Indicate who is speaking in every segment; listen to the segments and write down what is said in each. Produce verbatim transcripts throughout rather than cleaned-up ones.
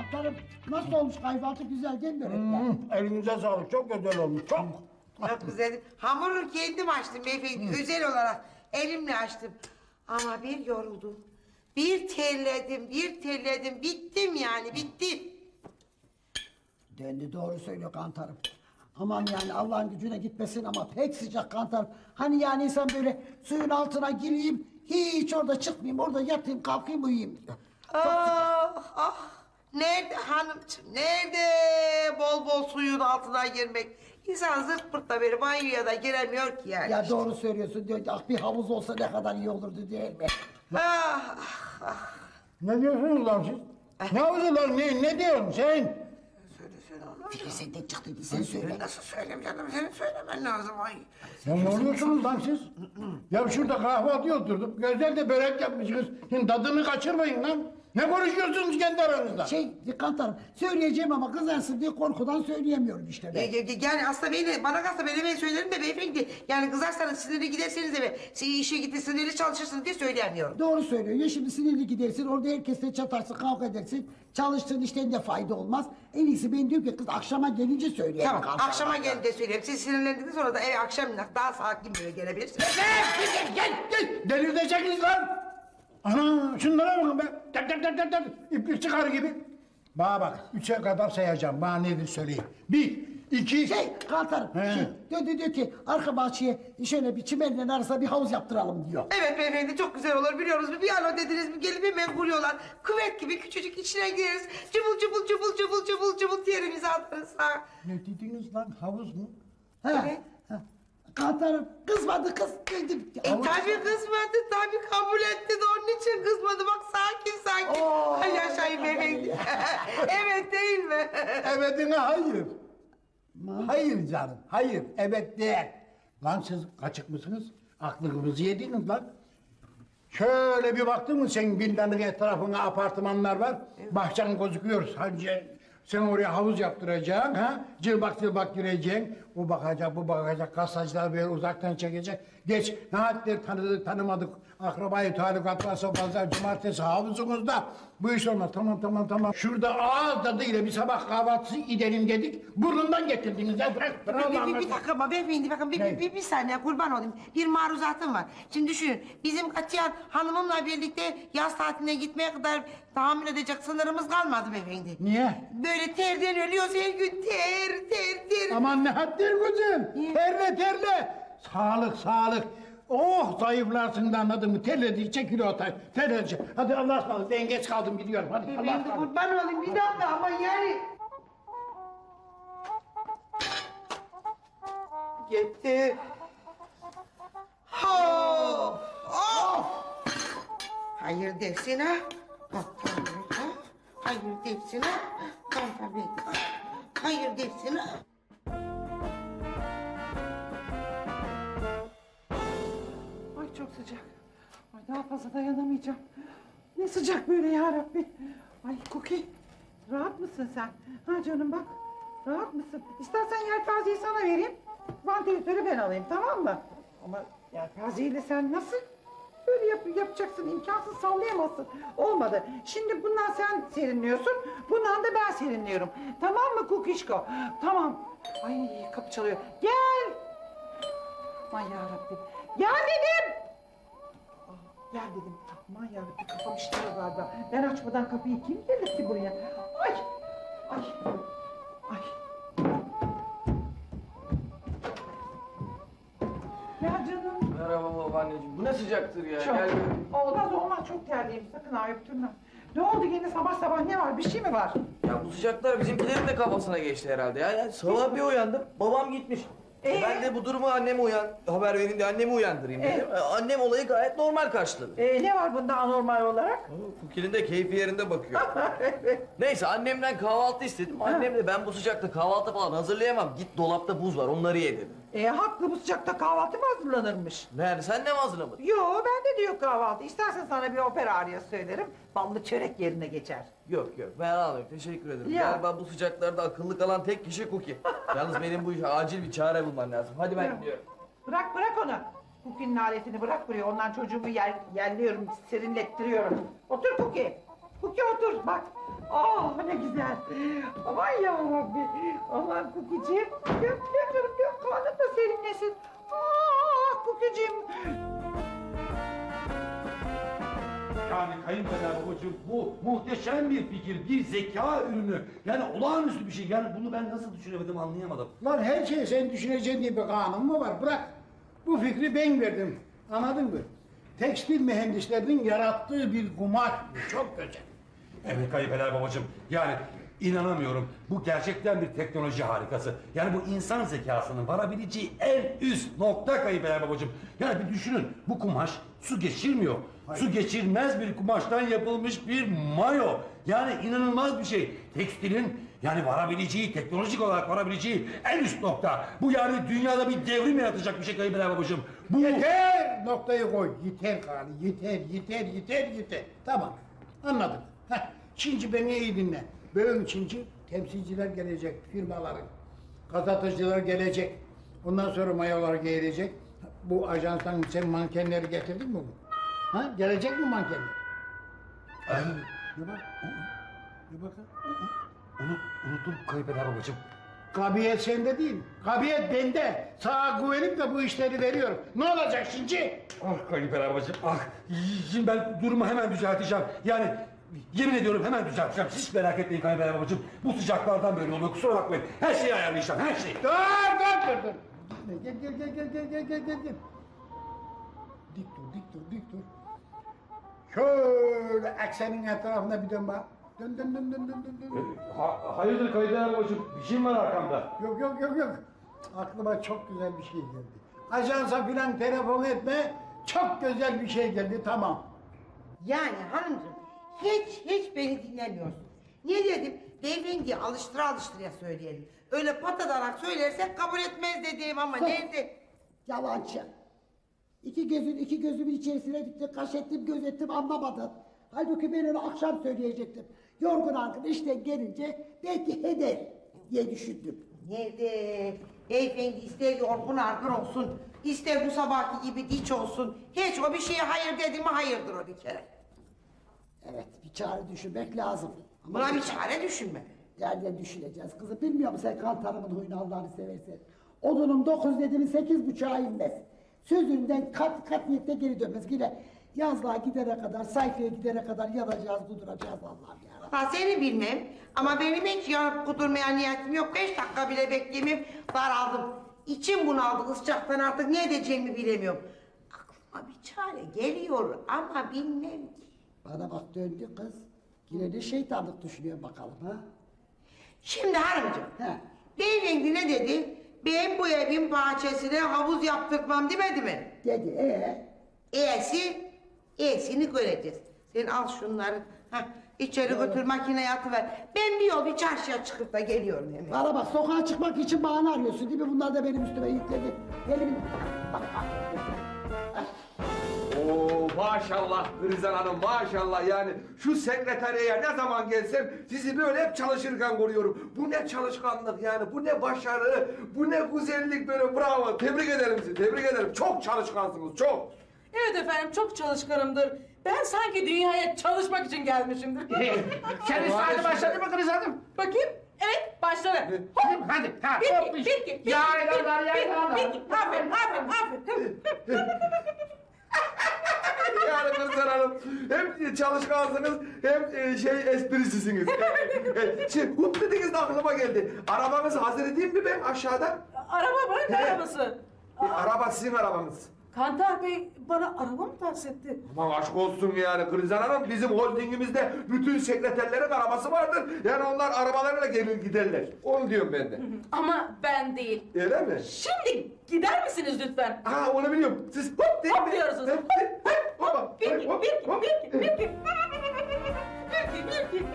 Speaker 1: Kantarım nasıl olmuş kahvaltı, güzel değil mi börekler?
Speaker 2: Hmm, elinize sağlık, çok güzel olmuş, çok.
Speaker 3: Çok güzel. Hamuru kendim açtım beyefendi, özel olarak elimle açtım. Ama bir yoruldum, bir terledim, bir terledim, bittim yani, bittim.
Speaker 1: Döndü, doğru söylüyor Kantarım. Aman yani Allah'ın gücüne gitmesin ama pek sıcak Kantarım. Hani yani insan böyle suyun altına gireyim, hiç orada çıkmayayım, orada yatayım, kalkayım, uyuyayım diyor.
Speaker 3: Ah ah, nerede hanımcığım, nerede bol bol suyun altına girmek? İnsan zırt pırtla böyle banyoya da giremiyor ki yani.
Speaker 1: Ya doğru söylüyorsun diyor ki, ah bir havuz olsa ne kadar iyi olurdu değil mi?
Speaker 3: Ah, ah, ah.
Speaker 2: Ne diyorsunuz lan siz? Ne yapıyorsun lan, ne, ne diyorsun sen?
Speaker 3: Söyle söyle Allah.
Speaker 1: Fikri senden çıktıydı, sen söyle.
Speaker 3: Nasıl söyleyeyim canım, senin söylemen lazım ay.
Speaker 2: Ya ne oluyorsunuz lan siz? Ya şurada kahvaltıya oturduk, güzel de börek yapmışsınız. Şimdi tadını kaçırmayın lan. Ne konuşuyorsunuz kendi aranızda?
Speaker 1: Şey Kantarım, söyleyeceğim ama kızarsın diye korkudan söyleyemiyorum işte ben.
Speaker 3: E, e, Yani aslında beni, bana kalsa ben hemen söylerim de beyefendi. Yani kızarsanız sinirli giderseniz eve, siz işe gitti sinirli çalışırsınız diye söyleyemiyorum.
Speaker 1: Doğru söylüyor. Ya şimdi sinirli gidersin, orada herkesle çatarsın, kavga edersin. Çalıştığın işten de fayda olmaz. En iyisi ben diyorum ki kız akşama gelince söyleyeyim.
Speaker 3: Tamam,
Speaker 1: Kantarım.
Speaker 3: akşama gelin de söyleyeyim. Siz sinirlendiniz sonra da eve akşam daha sakin böyle gelebilirsiniz.
Speaker 2: Gel, gel, gel! Delirteceksiniz lan! Ana, şunlara bakın be! Tak tak tak tak tak! İplik çıkar gibi. Bana bak, üçe kadar sayacağım. Bana nedir söyleyin. Bir, iki...
Speaker 1: Şey Kantarım,
Speaker 2: He.
Speaker 1: şey, diyor, diyor, diyor ki arka bahçeye şöyle bir çimenle arasına bir havuz yaptıralım diyor.
Speaker 3: Evet beyefendi çok güzel olur biliyoruz. Bir alo dediniz mi gelip hemen vuruyorlar. Küvet gibi küçücük içine gireriz. Cıbıl cıbıl cıbıl cıbıl cıbıl cıbıl yerimizi atarız ha.
Speaker 2: Ne dediniz lan, havuz mu?
Speaker 1: Ha,
Speaker 3: Evet.
Speaker 1: ha. Kantarım kızmadı kız.
Speaker 3: E tabi kızmadı tabi kabul etti de onun için kızmadı. Bak sakin sakin.
Speaker 1: Oo.
Speaker 3: Ay yaşayın beyefendi. Evet değil mi?
Speaker 2: Evetine hayır. Hayır canım, hayır. Evet değil. Lan siz kaçık mısınız? Aklınızı yediniz lan. Şöyle bir baktın mı senin villanın etrafına apartmanlar var. Bahçen gözüküyor. Sadece sen oraya havuz yaptıracaksın, ha? Cılbak cılbak gireceksin. O bakacak, bu bakacak, kasacılar böyle uzaktan çekecek. Geç, ne haddir tanıdık, tanımadık. Akrabayı talikat varsa pazar, cumartesi havuzumuzda. Bu iş olmaz, tamam tamam tamam. Şurada ağız tadıyla bir sabah kahvaltısı gidelim dedik. Burnundan getirdiniz. Ya bırak, bırak
Speaker 3: Bir, bir,
Speaker 2: Allah'ım.
Speaker 3: bir dakika ama beyefendi bakın bir, bir, bir, bir saniye kurban olayım. Bir maruzatım var. Şimdi düşünün bizim katiyen hanımımla birlikte yaz tatiline gitmeye kadar tahammül edecek sınırımız kalmadı beyefendi.
Speaker 2: Niye?
Speaker 3: Böyle terden ölüyoruz her gün ter ter ter.
Speaker 2: Aman ne haddir kızım.
Speaker 3: Niye?
Speaker 2: Terle terle. Sağlık sağlık. Oh zayıflarsın da anladın mı? Terledikçe kilo atar. Terledikçe. Hadi Allah'a ısmarladık. Ben geç kaldım gidiyorum. Hadi Allah'a
Speaker 3: Beyefendi
Speaker 2: ısmarladık.
Speaker 3: kurban olayım bir dakika ama yani. Gitti. Of, of. Hayır dersin ha. Bak tabii ha. Hayır dersin ha. Bak tabii ha. Hayır dersin ha.
Speaker 4: Ay çok sıcak. Ay daha fazla dayanamayacağım. Ne sıcak böyle ya Rabbi. Ay Cookie, rahat mısın sen? Ha canım bak, rahat mısın? İstersen yelpazeyi sana vereyim. Vantilatörü ben alayım, tamam mı? Ama yelpazeyle sen nasıl böyle yap yapacaksın? İmkansız, sallayamazsın. Olmadı. Şimdi bundan sen serinliyorsun, bundan da ben serinliyorum. Tamam mı Cookie'şko? Tamam. Ay kapı çalıyor. Gel. Aman yarabbim. Gel dedim. Aa, gel dedim. Aman yarabbim kafam işliyor galiba. Ben açmadan kapıyı kim gelir ki buraya? Ay. Ay. Ay. Ya canım.
Speaker 5: Merhaba babaanneciğim. Bu ne sıcaktır ya?
Speaker 4: Çok.
Speaker 5: Gel.
Speaker 4: Olmaz olmaz çok terliyim. Sakın ha öptürme. Ne oldu yine sabah sabah ne var? Bir şey mi var?
Speaker 5: Ya bu sıcaklar bizimkilerin de kafasına geçti herhalde ya. ya sabah bir uyandım. Babam gitmiş. E
Speaker 4: Ee?
Speaker 5: Ben de bu durumu anneme uyan haber vereyim diye annemi uyandırayım dedim. E, Annem olayı gayet normal karşıladı.
Speaker 4: Ee, ne var bunda anormal olarak?
Speaker 5: Kukil'in de keyfi yerinde bakıyor. Neyse annemden kahvaltı istedim. Annem de ben bu sıcakta kahvaltı falan hazırlayamam. Git dolapta buz var onları ye dedi.
Speaker 4: Ee, haklı bu sıcakta kahvaltı mı hazırlanırmış?
Speaker 5: Yani sen ne mi hazırlamadın?
Speaker 4: Yo ben de diyor kahvaltı. İstersen sana bir opera arya söylerim. Ballı çörek yerine geçer.
Speaker 5: Yok yok ben almayayım teşekkür ederim.
Speaker 4: Ya.
Speaker 5: Galiba bu sıcaklarda akıllı kalan tek kişi Cookie. Yalnız benim bu işe acil bir çare bulmam lazım. Hadi ben
Speaker 4: Ya.
Speaker 5: gidiyorum.
Speaker 4: Bırak bırak onu. Cookie'nin aletini bırak buraya. Ondan çocuğumu yer, yerliyorum, serinlettiriyorum. Otur Cookie. Cookie otur bak. Oh ne güzel. Aman ya Rabbi. Aman Cookie'ciğim. Göm göm canım göm. Karnın da serinlesin. Ah Cookie'ciğim.
Speaker 6: Yani kayınpeder babacığım bu muhteşem bir fikir, bir zeka ürünü. Yani olağanüstü bir şey. Yani bunu ben nasıl düşünemedim anlayamadım.
Speaker 2: Lan her şeyi sen düşüneceksin diye bir kanun mu var? Bırak. Bu fikri ben verdim. Anladın mı? Tekstil mühendislerinin yarattığı bir kumaş. Bu çok güzel.
Speaker 6: Evet kayınpeder babacığım. Yani inanamıyorum. Bu gerçekten bir teknoloji harikası. Yani bu insan zekasının varabileceği en üst nokta kayınpeder babacığım. Yani bir düşünün. Bu kumaş su geçirmiyor. Su geçirmez bir kumaştan yapılmış bir mayo. Yani inanılmaz bir şey. Tekstilin yani varabileceği, teknolojik olarak varabileceği en üst nokta. Bu yani dünyada bir devrim yaratacak bir şey kayınpeder babacığım. Bu...
Speaker 2: Yeter noktayı koy. Yeter gari. Yeter, yeter, yeter, yeter. Tamam. Anladım. Heh. Şimdi beni iyi dinle. Böyle için temsilciler gelecek firmaların. Gazeteciler gelecek. Ondan sonra mayolar gelecek. Bu ajanstan sen mankenleri getirdin mi? Ha? Gelecek mi mankenler?
Speaker 6: Ay,
Speaker 2: Ne bak? Ne bakın?
Speaker 6: unut, unuttum kayınpeder babacığım.
Speaker 2: Kabiyet sende değil. Kabiyet bende. Sağa güvenip de bu işleri veriyorum. Ne olacak şimdi?
Speaker 6: Ah kayınpeder babacığım, ah. Şimdi ben durumu hemen düzelteceğim. Yani yemin ediyorum hemen düzelteceğim. Hiç merak etmeyin kayınpeder babacığım. Bu sıcaklardan böyle oluyor, kusura bakmayın. Her şeyi ayarlayacağım, her şeyi.
Speaker 2: Dur dur dur dur. Gel gel gel gel gel gel gel gel gel. Dik dur dik dur dik dur. Şöyle eksenin etrafına bir dön bak. Dön dön dön dön dön dön. dön.
Speaker 6: Ha, hayırdır kayınpeder babacığım, bir şey mi var arkamda?
Speaker 2: Yok yok yok yok. Aklıma çok güzel bir şey geldi. Ajansa filan telefon etme. Çok güzel bir şey geldi tamam.
Speaker 3: Yani hanımcığım hiç hiç beni dinlemiyorsun. Ne dedim? Beyefendiye alıştıra alıştıra söyleyelim. Öyle patadarak söylersek kabul etmez dedim ama nerede?
Speaker 1: Yalancı. İki gözün iki gözümün içerisine dikti, kaş ettim, göz ettim anlamadın. Halbuki ben onu akşam söyleyecektim. Yorgun argın işten gelince belki heder diye düşündüm.
Speaker 3: Nerede? Beyefendi ister yorgun argın olsun, ister bu sabahki gibi diç olsun. Hiç o bir şeye hayır dedi mi hayırdır o bir kere.
Speaker 1: Evet, bir çare düşünmek lazım. Ama
Speaker 3: Buna bir çare düşünme.
Speaker 1: nereden düşüneceğiz kızım? Bilmiyor musun sen kantarımın huyunu Allah'ını seversen? Odunum dokuz dedi mi sekiz buçuğa inmez. Sözünden kat kat niyette geri dönmez. Yine yazlığa gidene kadar, sayfaya gidene kadar yanacağız, kuduracağız Allah'ım ya.
Speaker 3: Ha seni bilmem ama benim hiç yanıp kudurmaya niyetim yok. Beş dakika bile bekleyemem, daraldım. İçim bunaldı ıscaktan artık ne edeceğimi bilemiyorum. Aklıma bir çare geliyor ama bilmem ki.
Speaker 1: Bana bak döndü kız. Yine de şeytanlık düşünüyor bakalım ha.
Speaker 3: Şimdi hanımcığım,
Speaker 1: He.
Speaker 3: beyefendi ne dedi? Ben bu evin bahçesine havuz yaptırmam demedi mi?
Speaker 1: Dedi ee?
Speaker 3: E'si, E'sini göreceğiz. Sen al şunları, hah, içeri götür makineye atıver. Ben bir yol bir çarşıya çıkıp da geliyorum hemen.
Speaker 1: Bana bak sokağa çıkmak için bahane arıyorsun değil mi? Bunlar da benim üstüme yükledi. Elimin... Bak bak.
Speaker 7: Oo maşallah Rızan Hanım maşallah yani şu sekreteriye ne zaman gelsem sizi böyle hep çalışırken görüyorum. Bu ne çalışkanlık yani bu ne başarı bu ne güzellik böyle bravo tebrik ederim sizi tebrik ederim çok çalışkansınız çok.
Speaker 8: Evet efendim çok çalışkanımdır. Ben sanki dünyaya çalışmak için gelmişimdir.
Speaker 2: Sen hadi başladı mı kız hanım?
Speaker 8: Bakayım. Evet başladı. Hop.
Speaker 2: Hadi. Ha,
Speaker 8: Bir iki,
Speaker 2: hop,
Speaker 8: bir iki, bir iki,
Speaker 2: Yaylalar,
Speaker 8: bir-
Speaker 2: yaylalar.
Speaker 8: bir iki. Aferin, aferin, aferin.
Speaker 7: Yani Rızan Hanım hem çalışkansınız hem e, şey esprisisiniz. E, e, şey hop dediniz de aklıma geldi. Arabanız hazır edeyim mi ben aşağıda?
Speaker 8: Araba mı? Ne
Speaker 7: He.
Speaker 8: arabası?
Speaker 7: E, araba sizin arabanız.
Speaker 8: Kantar Bey bana araba mı tahsis etti?
Speaker 7: Aman aşk olsun yani Krizan Hanım bizim holdingimizde bütün sekreterlerin arabası vardır. Yani onlar arabalarıyla gelir giderler. Onu diyorum ben de.
Speaker 8: Ama ben değil.
Speaker 7: Öyle mi?
Speaker 8: Şimdi gider misiniz lütfen?
Speaker 7: Ha onu biliyorum. Siz hop deyin.
Speaker 8: Hop diyorsunuz.
Speaker 7: Hop, hop, hop, hop,
Speaker 8: Bir iki,
Speaker 7: hop,
Speaker 8: bir iki,
Speaker 7: hop.
Speaker 8: bir iki, bir iki. Bir iki, bir iki.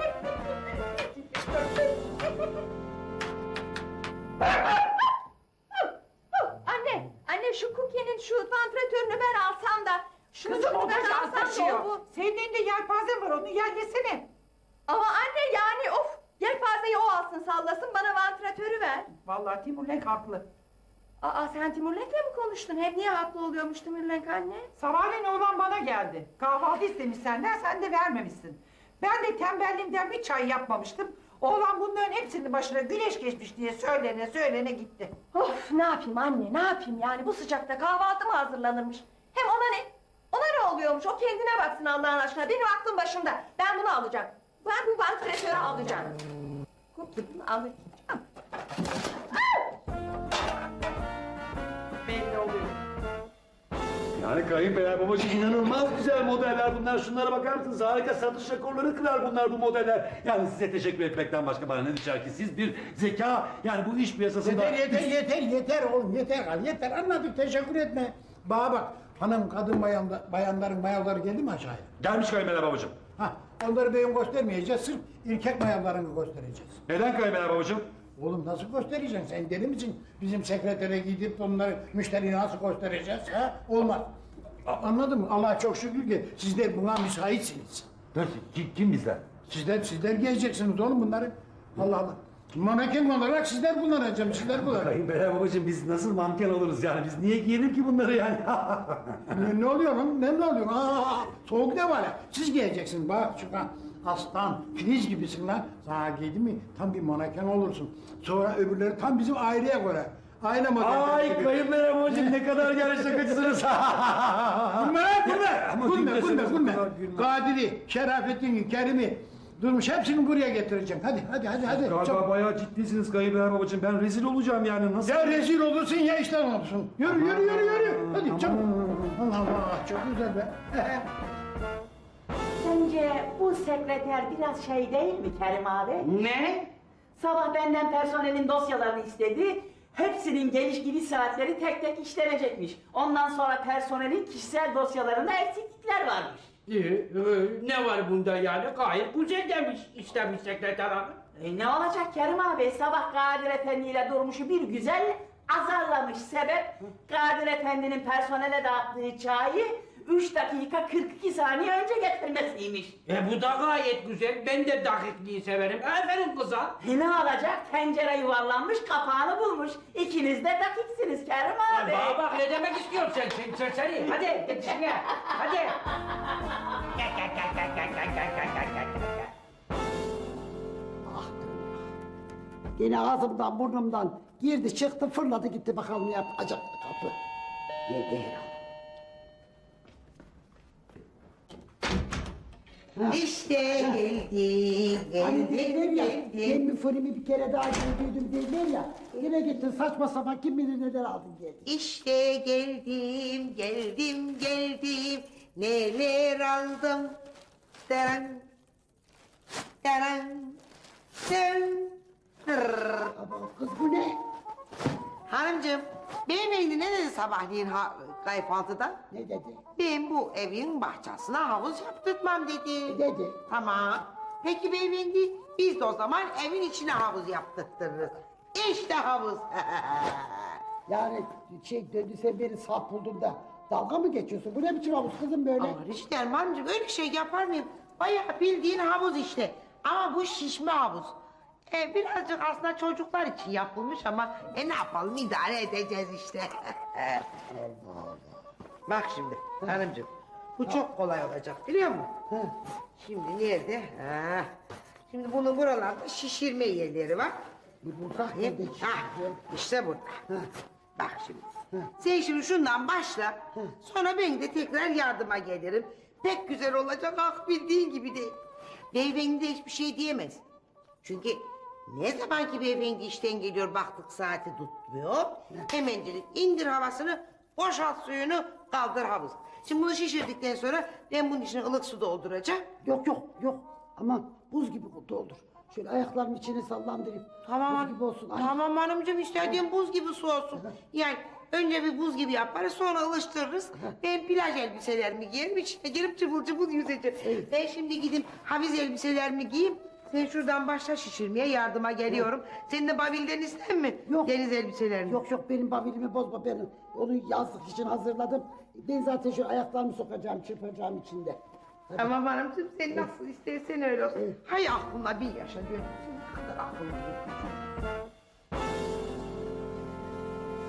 Speaker 9: Anne, anne şu Cookie'nin şu vantilatörünü ben alsam da şunu
Speaker 4: Kızım o
Speaker 9: şuradan
Speaker 4: kaşar
Speaker 9: alsam da
Speaker 4: taşıyor.
Speaker 9: o bu.
Speaker 4: Senin elinde yelpaze var onu yer yesene.
Speaker 9: Ama anne yani of yelpazeyi o alsın sallasın bana vantilatörü ver.
Speaker 4: Vallahi Timur Lenk haklı.
Speaker 9: Aa sen Timurlenk'le mi konuştun? Hep niye haklı oluyormuş Timurlenk anne?
Speaker 4: Sabahleyin oğlan bana geldi. Kahvaltı istemiş senden sen de vermemişsin. Ben de tembelliğimden bir çay yapmamıştım. Oğlan bunların hepsinin başına güneş geçmiş diye söylene söylene gitti.
Speaker 9: Of ne yapayım anne ne yapayım yani bu sıcakta kahvaltı mı hazırlanırmış? Hem ona ne? Ona ne oluyormuş o kendine baksın Allah'ın aşkına benim aklım başımda. Ben bunu alacağım. Ben bu vantilatörü alacağım. Bunu alacağım.
Speaker 4: Belli oluyor.
Speaker 10: Yani kayınpeder babacığım inanılmaz güzel modeller bunlar. Şunlara bakar mısınız? Harika satış rekorları kırar bunlar bu modeller. Yani size teşekkür etmekten başka bana ne düşer ki? Siz bir zeka yani bu iş piyasasında...
Speaker 2: Yeter yeter yeter yeter oğlum yeter yeter anladık teşekkür etme. Bana bak hanım kadın bayanda, bayanların mayaları geldi mi aşağıya?
Speaker 10: Gelmiş kayınpeder babacığım.
Speaker 2: Ha onları beyin göstermeyeceğiz sırf erkek mayalarını göstereceğiz.
Speaker 10: Neden kayınpeder babacığım?
Speaker 2: Oğlum nasıl göstereceksin sen deli misin? Bizim sekretere gidip onları müşteriye nasıl göstereceğiz ha? Olmaz. A- Anladın mı? Allah'a çok şükür ki sizler buna müsaitsiniz.
Speaker 10: Dur, kim, kim bizler?
Speaker 2: Sizler sizler giyeceksiniz oğlum bunları. Allah Allah. Maneken olarak sizler kullanacağım, sizler kullanacağım.
Speaker 10: Kayınpeder babacığım biz nasıl manken oluruz yani? Biz niye giyelim ki bunları yani?
Speaker 2: ne, ne oluyor lan? Ne, ne oluyor? Aa, soğuk ne var ya? Siz giyeceksiniz bak şu an. Aslan, filiz gibisin lan. Sana giydi mi tam bir maneken olursun. Sonra öbürleri tam bizim aileye göre. Aile modeli.
Speaker 10: Ay kayınpeder babacığım ne kadar gerçekçisiniz.
Speaker 2: Gülme lan gülme.
Speaker 10: Ama
Speaker 2: Gülme
Speaker 10: gülmesiniz,
Speaker 2: gülme
Speaker 10: bu
Speaker 2: gülme.
Speaker 10: kadar gülme.
Speaker 2: Kadir'i, Şerafettin'i, Kerim'i durmuş hepsini buraya getireceğim. Hadi hadi hadi hadi.
Speaker 10: Galiba
Speaker 2: Çabuk.
Speaker 10: bayağı ciddisiniz kayınpeder babacığım. Ben rezil olacağım yani nasıl?
Speaker 2: Ya rezil olursun ya işten olursun. Yürü yürü yürü yürü. Hadi çabuk. Allah Allah çok güzel be.
Speaker 11: Sence bu sekreter biraz şey değil mi Kerim abi?
Speaker 3: Ne?
Speaker 11: Sabah benden personelin dosyalarını istedi. Hepsinin geliş gidiş saatleri tek tek işlenecekmiş. Ondan sonra personelin kişisel dosyalarında eksiklikler varmış.
Speaker 12: Ee, e, ne var bunda yani? Gayet güzel demiş, istemiş sekreter hanım.
Speaker 11: E ne olacak Kerim abi? Sabah Kadir Efendi ile Durmuş'u bir güzel azarlamış. Sebep Kadir Efendi'nin personele dağıttığı çayı üç dakika kırk iki saniye önce getirmesiymiş.
Speaker 12: E bu da gayet güzel, ben de dakikliği severim. Aferin kıza.
Speaker 11: E ne olacak? Tencere yuvarlanmış, kapağını bulmuş. İkiniz de dakiksiniz Kerim abi.
Speaker 12: E bana bak ne demek istiyorsun sen, sen serseri. Hadi git işine, hadi.
Speaker 1: Yine ağzımdan burnumdan girdi çıktı fırladı gitti bakalım ne yapacak kapı. Yedi herhalde.
Speaker 3: İşte geldi,
Speaker 1: Hani
Speaker 3: geldi,
Speaker 1: derler ya,
Speaker 3: geldi.
Speaker 1: ben mi fırımı bir kere daha gördüydüm derler ya. Yine gittin saçma sapan kim bilir neler aldın geldin.
Speaker 3: İşte geldim, geldim, geldim. Neler aldım. Deran, deran, deran. Hırr.
Speaker 1: Ama kız bu ne?
Speaker 3: Hanımcığım, beyefendi ne dedi sabahleyin ha, kahvaltıda?
Speaker 1: Ne dedi?
Speaker 3: Ben bu evin bahçesine havuz yaptırtmam dedi.
Speaker 1: Dedi.
Speaker 3: Tamam. Peki beyefendi, biz de o zaman evin içine havuz yaptırtırız. İşte havuz.
Speaker 1: Yani şey döndü sen beni saf buldun da dalga mı geçiyorsun? Bu ne biçim havuz kızım böyle?
Speaker 3: Ama Rişit Erman'cığım öyle şey yapar mıyım? Bayağı bildiğin havuz işte. Ama bu şişme havuz. Ee, birazcık aslında çocuklar için yapılmış ama e ne yapalım idare edeceğiz işte. Bak şimdi hanımcığım bu çok kolay olacak biliyor musun? Şimdi nerede? Ha. Şimdi bunun buralarda şişirme yerleri var.
Speaker 1: Burada
Speaker 3: Bakayım.
Speaker 1: nerede
Speaker 3: Ha,
Speaker 1: şişiriyor?
Speaker 3: işte burada. Bak şimdi. Sen şimdi şundan başla. Sonra ben de tekrar yardıma gelirim. Pek güzel olacak ah bildiğin gibi değil. Beyefendi de hiçbir şey diyemez. Çünkü ne zaman ki beyefendi işten geliyor baktık saati tutmuyor. Hemencilik indir havasını, boşalt suyunu, kaldır havuz. Şimdi bunu şişirdikten sonra ben bunun içine ılık su dolduracağım.
Speaker 1: Yok yok yok. Aman buz gibi doldur. Şöyle ayaklarımın içine sallandırayım.
Speaker 3: Tamam.
Speaker 1: Buz gibi olsun. Ay.
Speaker 3: Tamam hanımcığım istediğim buz gibi su olsun. Yani önce bir buz gibi yaparız sonra ılıştırırız. Ben plaj elbiselerimi giyerim içine girip cıvıl cıvıl yüzeceğim. Ben şimdi gideyim haviz elbiselerimi giyeyim. Sen şuradan başla şişirmeye yardıma geliyorum. Senin de babilden ister mi?
Speaker 1: Yok.
Speaker 3: Deniz elbiselerini.
Speaker 1: Yok yok benim babilimi bozma benim. Onu yazlık için hazırladım. Ben zaten şu ayaklarımı sokacağım, çırpacağım içinde.
Speaker 3: Tamam hanımcığım sen nasıl istersen öyle olsun. Hay aklına bir yaşa dönüyorsun. Ne kadar aklına bir.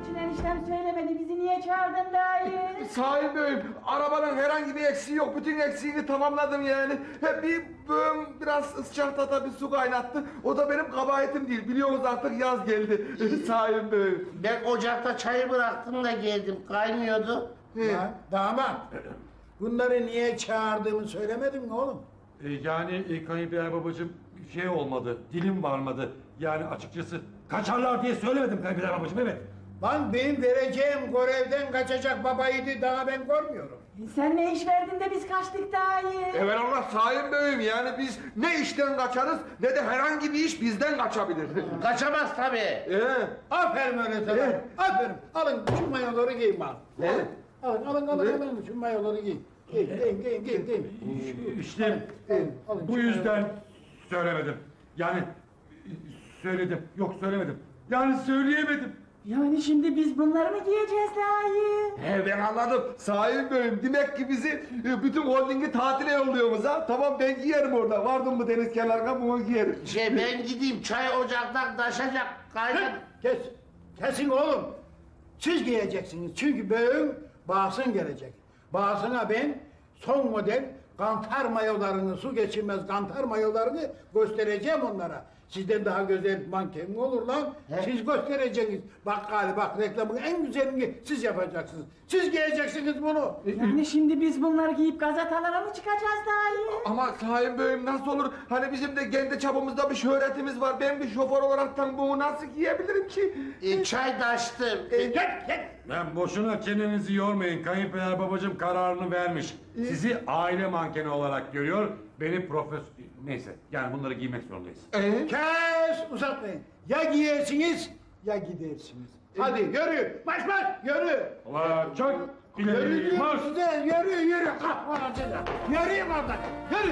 Speaker 11: için eniştem söylemedi. Bizi niye çağırdın dayı?
Speaker 7: Sahi Bey'im, arabanın herhangi bir eksiği yok. Bütün eksiğini tamamladım yani. Hep bir böğüm biraz sıcakta bir su kaynattı. O da benim kabahatim değil. Biliyorsunuz artık yaz geldi. Sahi Bey'im.
Speaker 13: Ben ocakta çayı bıraktım da geldim. Kaynıyordu.
Speaker 2: Ya, damat. Bunları niye çağırdığımı söylemedin mi oğlum?
Speaker 6: E, yani e, kayınpeder babacığım şey olmadı, dilim varmadı. Yani açıkçası kaçarlar diye söylemedim kayınpeder babacığım, evet.
Speaker 2: Lan benim vereceğim görevden kaçacak babaydı daha ben görmüyorum.
Speaker 11: Sen ne iş verdin de biz kaçtık dayı?
Speaker 7: Evelallah Sahi Bey'im, yani biz ne işten kaçarız ne de herhangi bir iş bizden kaçabilir.
Speaker 13: Kaçamaz tabii.
Speaker 7: Ee,
Speaker 2: Aferin öyle sana.
Speaker 7: Evet.
Speaker 2: Aferin. Alın şu mayoları giyin bak.
Speaker 7: Ne?
Speaker 2: Alın alın alın
Speaker 7: Ne?
Speaker 2: alın şu mayoları giyin. Giyin giyin giyin giyin. giyin.
Speaker 6: İşte
Speaker 2: Giyin, alın
Speaker 6: bu
Speaker 2: şu
Speaker 6: yüzden söylemedim. Yani e, söyledim, yok söylemedim. Yani söyleyemedim.
Speaker 11: Yani şimdi biz bunları mı giyeceğiz dayı?
Speaker 7: He ben anladım. Sahi Bey'im, demek ki bizi e, bütün holdingi tatile yolluyorsunuz ha. Tamam, ben giyerim orada. Vardım mı deniz kenarına bunu giyerim.
Speaker 13: Şey ben gideyim çay ocaktan taşacak. Kaynat.
Speaker 2: Kes. Kesin oğlum. Siz giyeceksiniz çünkü böğün bağsın gelecek. Bağsına ben son model kantar mayolarını, su geçirmez kantar mayolarını göstereceğim onlara. Sizden daha güzel manken mi olur lan? Siz göstereceksiniz. Bak galiba bak reklamın en güzelini siz yapacaksınız. Siz giyeceksiniz bunu.
Speaker 11: Yani şimdi biz bunları giyip gazetalara mı çıkacağız dayı?
Speaker 7: Ama Sahi Bey'im nasıl olur? Hani bizim de kendi çapımızda bir şöhretimiz var. Ben bir şoför olaraktan bunu nasıl giyebilirim ki?
Speaker 13: E, çay taştım.
Speaker 7: E,
Speaker 2: Gel gel.
Speaker 6: Ben boşuna çenenizi yormayın. Kayınpeder babacığım kararını vermiş. Sizi aile mankeni olarak görüyor. Beni profesör... Neyse yani bunları giymek zorundayız.
Speaker 7: Ee?
Speaker 2: Kes uzatmayın. Ya giyersiniz ya gidersiniz. Hadi yürü. Baş baş yürü.
Speaker 6: Ulan çok
Speaker 2: Yürü
Speaker 6: ileri
Speaker 2: diyorum
Speaker 6: marş.
Speaker 2: size, yürü yürü. Kalk aracına. Yürüyün oradan. Yürü.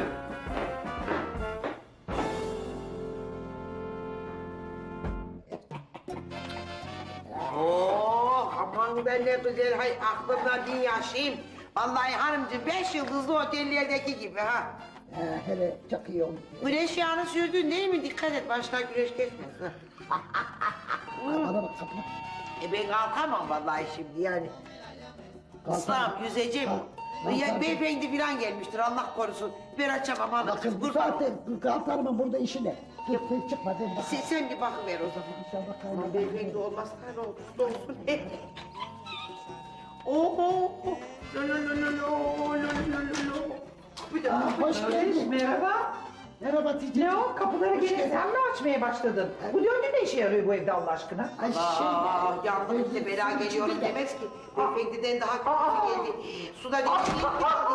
Speaker 3: Oh aman ben ne güzel, hay aklımda bin yaşayayım. Vallahi hanımcığım beş yıldızlı otellerdeki gibi ha.
Speaker 1: Ee, hele çok iyi oldu.
Speaker 3: Güneş yağını sürdün değil mi? Dikkat et başına güneş geçmesin.
Speaker 1: Bana bak kapına.
Speaker 3: E ben kalkamam vallahi şimdi yani.
Speaker 1: Kalkamam.
Speaker 3: İslam yüzeceğim.
Speaker 1: Kalk-
Speaker 3: Ya
Speaker 1: kalk-
Speaker 3: beyefendi falan gelmiştir Allah korusun. Ben açamam
Speaker 1: Bak
Speaker 3: hanım.
Speaker 1: kız bu
Speaker 3: Kurban
Speaker 1: saatte
Speaker 3: olayım.
Speaker 1: kalkarımın burada işi ne? Dur sen çıkma sen bak.
Speaker 3: Sen, sen bir bakıver o zaman.
Speaker 1: İnşallah
Speaker 3: Aman
Speaker 1: kaybeder.
Speaker 3: beyefendi olmazsa ne olursa olsun. Oho! Lo lo lo lo lo lo lo lo lo. Bir de
Speaker 1: Aa, hoş geldin.
Speaker 4: Merhaba.
Speaker 1: Merhaba Hatice.
Speaker 4: Ne o? Kapıları
Speaker 1: Hoş
Speaker 4: gene
Speaker 1: geldin.
Speaker 4: sen mi açmaya başladın? Bu döngü ne işe yarıyor bu evde Allah aşkına?
Speaker 1: Ay şey.
Speaker 3: Aa, yardım bize bela geliyorum demez ki. Beyefendiden daha kötüsü geldi. Suda değiştiğim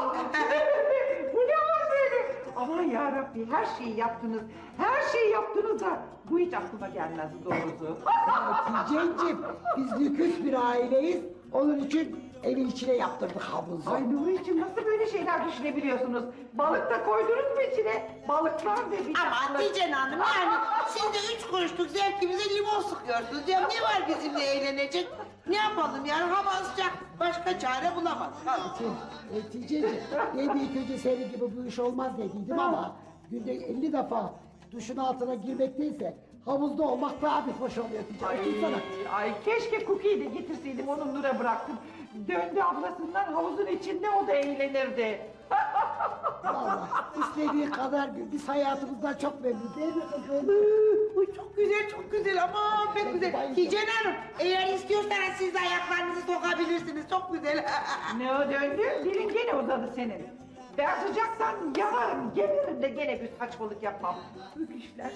Speaker 4: Bu ne var böyle? Aman yarabbi her şeyi yaptınız. Her şeyi yaptınız da bu hiç aklıma gelmezdi doğrusu.
Speaker 1: Hatice'ciğim biz lüküs bir aileyiz. Onun için evin içine yaptırdık havuzu.
Speaker 4: Ay Nuri'cim nasıl böyle şeyler düşünebiliyorsunuz? Balık da koydunuz mu içine? Balıklar da bir
Speaker 3: Ama Hatice Hanım yani siz de üç kuruşluk zevkimize limon sıkıyorsunuz. Ya ne var bizimle eğlenecek? Ne yapalım yani hava sıcak. Başka çare bulamadık.
Speaker 1: Hatice'ciğim ben de ilk önce senin gibi bu iş olmaz dediydim ama günde elli defa duşun altına girmekteyse havuzda olmak daha bir hoş oluyor diyeceğim.
Speaker 4: Ay, ay keşke Cookie'yi de getirseydim onu Nur'a bıraktım. Döndü ablasından havuzun içinde o da eğlenirdi.
Speaker 1: Vallahi istediği kadar gün biz hayatımızdan çok memnun değil mi kızım?
Speaker 3: Uy çok güzel çok güzel ama pek güzel. Hatice Hanım eğer istiyorsanız siz de ayaklarınızı sokabilirsiniz. Çok güzel.
Speaker 4: Ne o döndü? Dilin gene uzadı senin. Ben sıcaktan yanarım, geberirim de gene bir saçmalık yapmam. Öküşler.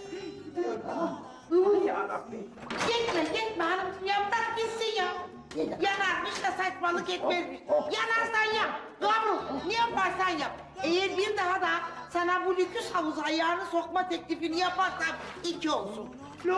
Speaker 4: Aman yarabbim.
Speaker 3: Gitme gitme hanımcığım ya bırak gitsin ya. Yanarmış da saçmalık etmezmiş. Yanarsan yap. Gavrul ne yaparsan yap. Eğer bir daha da sana bu lüküs havuza ayağını sokma teklifini yaparsam iki olsun. Lo.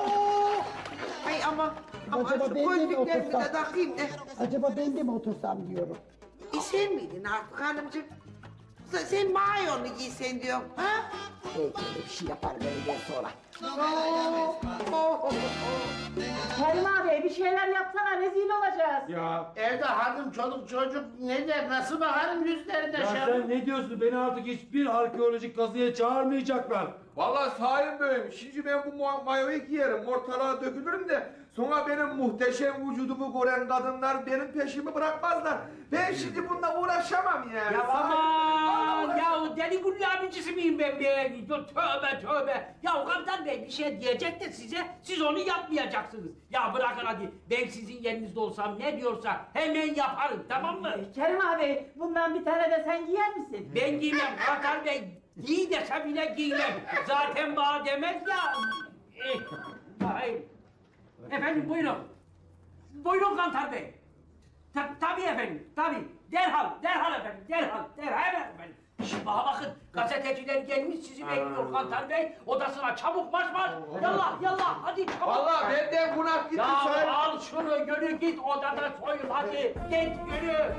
Speaker 3: Ay ama ama
Speaker 1: Acaba
Speaker 3: şu
Speaker 1: ben de mi
Speaker 3: gözlüklerimi de
Speaker 1: otursam?
Speaker 3: takayım da.
Speaker 1: Acaba ben de mi otursam diyorum.
Speaker 3: E sen miydin artık hanımcığım? Sen, sen mayonu giysen diyorum. Ha?
Speaker 1: Belki öyle bir şey yaparım öğleden sonra.
Speaker 3: Oh, oh, oh, oh.
Speaker 11: Kerim abi bir şeyler yapsana rezil olacağız.
Speaker 6: Ya,
Speaker 13: Evde hanım çoluk çocuk ne der nasıl bakarım yüzlerine
Speaker 6: ya
Speaker 13: şey.
Speaker 6: sen ne diyorsun? Beni artık hiçbir arkeolojik kazıya çağırmayacaklar.
Speaker 7: Vallahi Sahi Bey'im, şimdi ben bu ma- mayoyu giyerim, ortalığa dökülürüm de Sonra benim muhteşem vücudumu gören kadınlar benim peşimi bırakmazlar. Ben şimdi bununla uğraşamam yani.
Speaker 12: Ya
Speaker 7: Sahi-
Speaker 12: aman ya deli gülü abicisi miyim ben be? Tövbe tövbe. Ya Kaptan Bey bir şey diyecek de size, siz onu yapmayacaksınız. Ya bırakın hadi, ben sizin yerinizde olsam ne diyorsa hemen yaparım, tamam mı?
Speaker 11: Kerim abi bundan bir tane de sen giyer misin?
Speaker 12: Ben giymem Kaptan Bey, giy desem bile giymem. Zaten bana demez ya. Eh, hayır. Efendim buyurun. Buyurun Kantar Bey. Ta tabii efendim, tabii. Derhal, derhal efendim, derhal, derhal hemen efendim. Şimdi bana bakın, gazeteciler gelmiş sizi bekliyor Kantar Bey. Odasına çabuk marş marş. Yallah, yallah, hadi çabuk.
Speaker 7: Vallahi benden günah gitti
Speaker 12: Ya
Speaker 7: Sahi.
Speaker 12: al şunu, yürü git odada soyun hadi. Git yürü.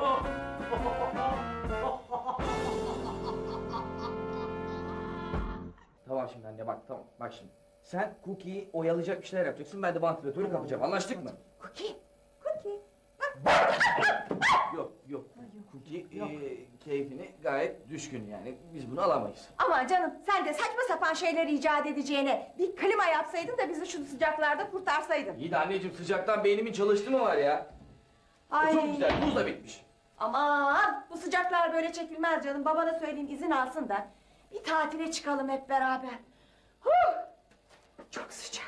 Speaker 5: Tamam şimdi anne bak tamam bak şimdi. Sen Cookie'yi oyalayacak bir şeyler yapacaksın. Ben de vantilatörü kapacağım. Anlaştık mı?
Speaker 9: Cookie, Cookie.
Speaker 5: Yok yok. Cookie eee, keyfini gayet düşkün yani. Biz bunu alamayız.
Speaker 9: Ama canım sen de saçma sapan şeyler icat edeceğine bir klima yapsaydın da bizi şu sıcaklarda kurtarsaydın.
Speaker 5: İyi de anneciğim sıcaktan beynimin çalıştı mı var ya?
Speaker 9: Ay.
Speaker 5: Çok güzel buz da bitmiş.
Speaker 9: Aman bu sıcaklar böyle çekilmez canım. Babana söyleyeyim izin alsın da bir tatile çıkalım hep beraber. Huh! Çok sıcak.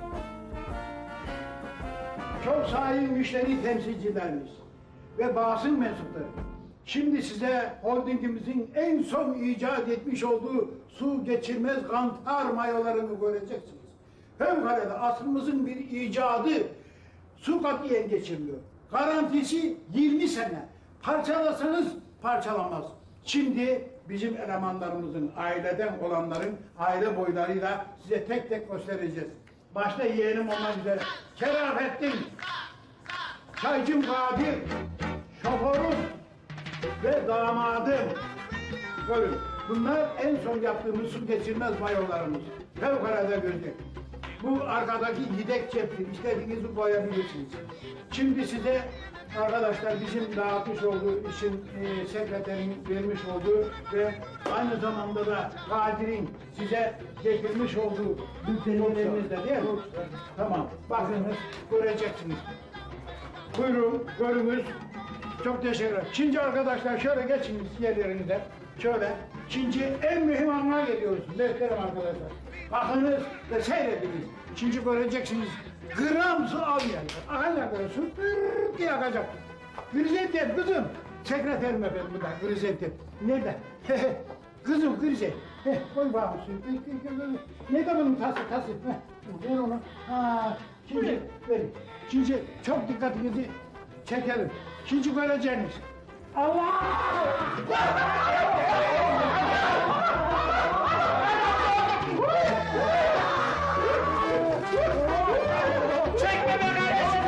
Speaker 2: Çok sayın müşteri temsilcilerimiz ve basın mensupları. Şimdi size holdingimizin en son icat etmiş olduğu su geçirmez kantar mayolarını göreceksiniz. Fevkalade asrımızın bir icadı, su katiyen geçirmiyor. Garantisi yirmi sene. Parçalasanız parçalamaz. Şimdi bizim elemanlarımızın, aileden olanların aile boylarıyla size tek tek göstereceğiz. Başta yeğenim olmak üzere Kerafettin, Çaycım Kadir, şoförüm ve damadım. Görün, bunlar en son yaptığımız su geçirmez mayolarımız. Fevkalade güzel. Bu arkadaki yedek ceptir, istediğinizi koyabilirsiniz. Şimdi size arkadaşlar bizim dağıtmış olduğu işin e, sekreterin vermiş olduğu ve aynı zamanda da Kadir'in size getirmiş olduğu bültenlerimizde değil mi? Tamam, bakınız, göreceksiniz. Buyurun, görünüz. Çok teşekkür ederim. Şimdi arkadaşlar şöyle geçiniz yerlerinize. Şöyle. Şimdi en mühim anına geliyoruz. Beklerim arkadaşlar. Bakınız ve seyrediniz. Şimdi göreceksiniz. Gram su almayan. Akacak böyle su tırrrr diye akacak. Grizettin kızım. Sekreterim efendim bu da Grizettin. Nerede? Kızım Grizet. Heh, koy bakalım suyu. Nerede bunun tası tası? Heh, ver onu. Ha, şimdi verin. Şimdi çok dikkatinizi çekelim. Şimdi göreceğiniz. Allah!
Speaker 12: Çekme be kardeşim.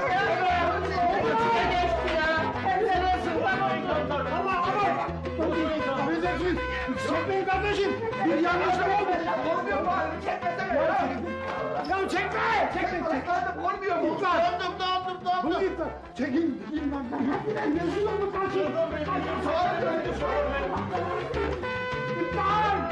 Speaker 2: Allah Allah! Affedersiniz, çekmeyin kardeşim. Bir yanlışlık oldu.
Speaker 7: Olmuyor bari çekmesene ya.
Speaker 2: Ya çekme! Çekme!
Speaker 7: Tıkladım olmuyor mu?
Speaker 2: İptal! Döndüm, döndüm, döndüm. Bunu iptal. Çekin, gidin lan. Rezil olduk kaçın. İptal!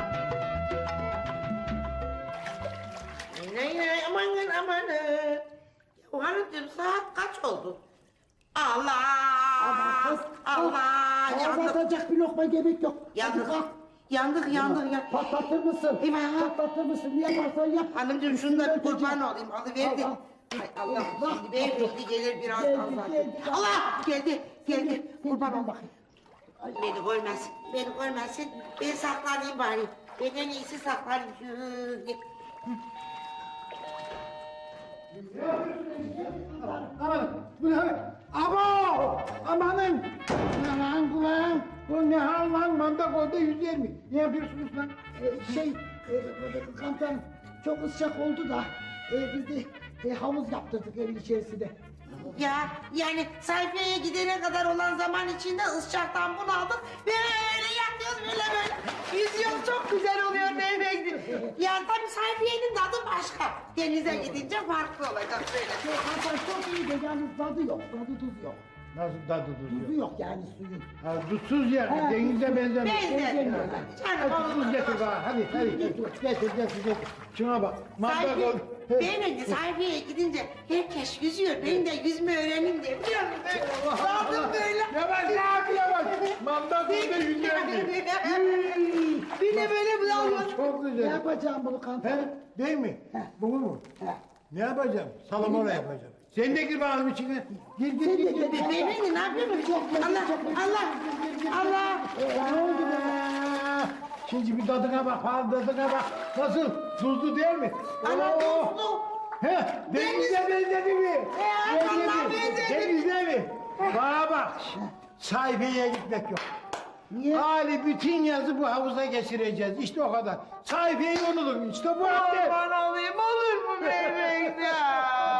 Speaker 3: Ne ne amanın amanın. Ya hanımcığım saat kaç oldu? Allah!
Speaker 1: Ama kız,
Speaker 3: Allah!
Speaker 1: Ağzı
Speaker 3: Yandık!
Speaker 1: atacak bir lokma yemek yok. Hadi
Speaker 3: Yandık!
Speaker 1: kalk.
Speaker 3: Yandık yandık ya.
Speaker 1: Patlatır mısın?
Speaker 3: Eyvah!
Speaker 1: Patlatır mısın? Ne yaparsan yap.
Speaker 3: Hanımcığım şundan bir kurban olayım. Alıverdi.
Speaker 1: Al, al.
Speaker 3: Hay Allah
Speaker 1: Bak,
Speaker 3: şimdi beyefendi gelir biraz
Speaker 1: Geldi,
Speaker 3: Allah.
Speaker 1: geldi.
Speaker 3: Allah! Geldi geldi. Kurban ol.
Speaker 1: bakayım.
Speaker 3: Beni görmesin. Beni görmesin. Ben saklanayım bari. Ben en iyisi saklanayım. Şöyle.
Speaker 2: Aman, bu ne? Abo! Amanın! Aman kulağım! Bu ne hal lan? Manda koydu yüz yirmi. Ne yapıyorsunuz lan?
Speaker 1: Ee, şey, e, kantan çok ıscak oldu da e, biz de e, havuz yaptırdık evin içerisinde.
Speaker 3: Ya yani sayfaya gidene kadar olan zaman içinde ıscaktan bunaldık. Böyle yatıyoruz böyle böyle. Yüzüyoruz çok güzel oluyor beyefendi. Yani tabii sayfiyenin tadı başka. Denize gidince farklı olacak böyle.
Speaker 1: Şey, kantan çok iyi de yalnız tadı yok, tadı tuz yok.
Speaker 2: Nasıl tadı tuzu?
Speaker 1: Tuzu yok yani suyun.
Speaker 2: Ha, tuzsuz yer,
Speaker 1: Ha,
Speaker 2: denize benzemiyor.
Speaker 3: Benzemiyor.
Speaker 2: Hadi tuz getir bana, hadi, hadi. Getir, getir, getir. Şuna bak, manda
Speaker 3: Sayfi,
Speaker 2: koy.
Speaker 3: Ben önce sayfaya gidince herkes yüzüyor. Ben de yüzme öğreneyim diye biliyor musun? Böyle daldım böyle.
Speaker 2: Yavaş yavaş yavaş. Manda burada yüzüyor.
Speaker 3: Bir de böyle bir daldım.
Speaker 2: Çok
Speaker 1: Ne
Speaker 2: güzel.
Speaker 1: yapacağım bunu kantar?
Speaker 2: He, değil mi? Bunu mu? Ne yapacağım? Salamura yapacağım. Sen de gir bakalım içine. Gir gir gir. gir.
Speaker 3: Beyefendi ne yapıyorsun? Allah Allah Allah.
Speaker 2: Ne oldu be? Şimdi bir tadına bak, falan tadına bak. Nasıl? Tuzlu değil mi?
Speaker 3: Ana
Speaker 2: Oo!
Speaker 3: tuzlu.
Speaker 2: He, denize benzedi mi?
Speaker 3: He, vallahi benzedi.
Speaker 2: Denize mi? Bana bak, sayfaya gitmek yok.
Speaker 1: Niye?
Speaker 2: Hali bütün yazı bu havuza geçireceğiz. İşte o kadar. Sayfayı unutun. İşte bu halde.
Speaker 3: Aman olayım olur mu beyefendi?